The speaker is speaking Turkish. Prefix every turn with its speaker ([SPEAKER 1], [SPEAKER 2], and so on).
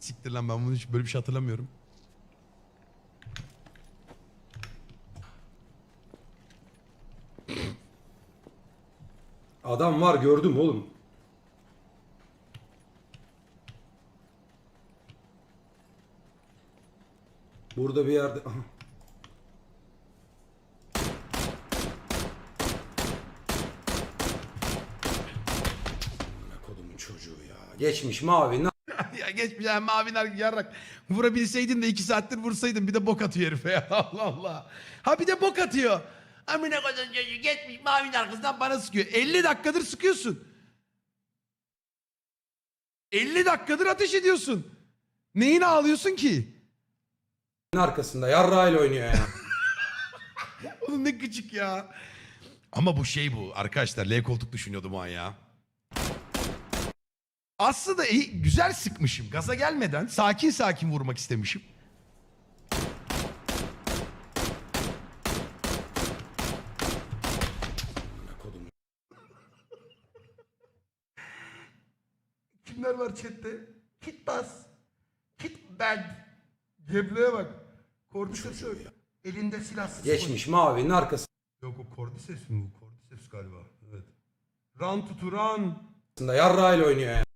[SPEAKER 1] Siktir lan, ben bunu hiç böyle bir şey hatırlamıyorum.
[SPEAKER 2] Adam var, gördüm oğlum. Burada bir yerde. Aha. Kodumun çocuğu ya. Geçmiş mavi.
[SPEAKER 1] Ya geçmiş yani, maviler yarrak. Vurabilseydin de 2 saattir vursaydın, bir de bok atıyor herife ya. Allah Allah. Ha bir de bok atıyor. Amına koyduğum çocuğu geçmiş mavinin arkasından bana sıkıyor. 50 dakikadır sıkıyorsun. 50 dakikadır ateş ediyorsun. Neyine ağlıyorsun ki?
[SPEAKER 2] Arkasında yarrağıyla oynuyor ya.
[SPEAKER 1] Oğlum ne gıcık ya. Ama bu şey bu. Arkadaşlar L koltuk düşünüyordum o an ya. Aslında iyi, güzel sıkmışım. Gaza gelmeden sakin sakin vurmak istemişim.
[SPEAKER 2] Kodumun.
[SPEAKER 1] Kimler var chatte? Kit bas. Kit bad. Geble'ye bak. Cordyceps elinde silahsız.
[SPEAKER 2] Geçmiş mavinin arkasında
[SPEAKER 1] Yok o Cordyceps mi bu? Cordyceps galiba. Evet. Run tutu run.
[SPEAKER 2] yarrağıyla oynuyor ya.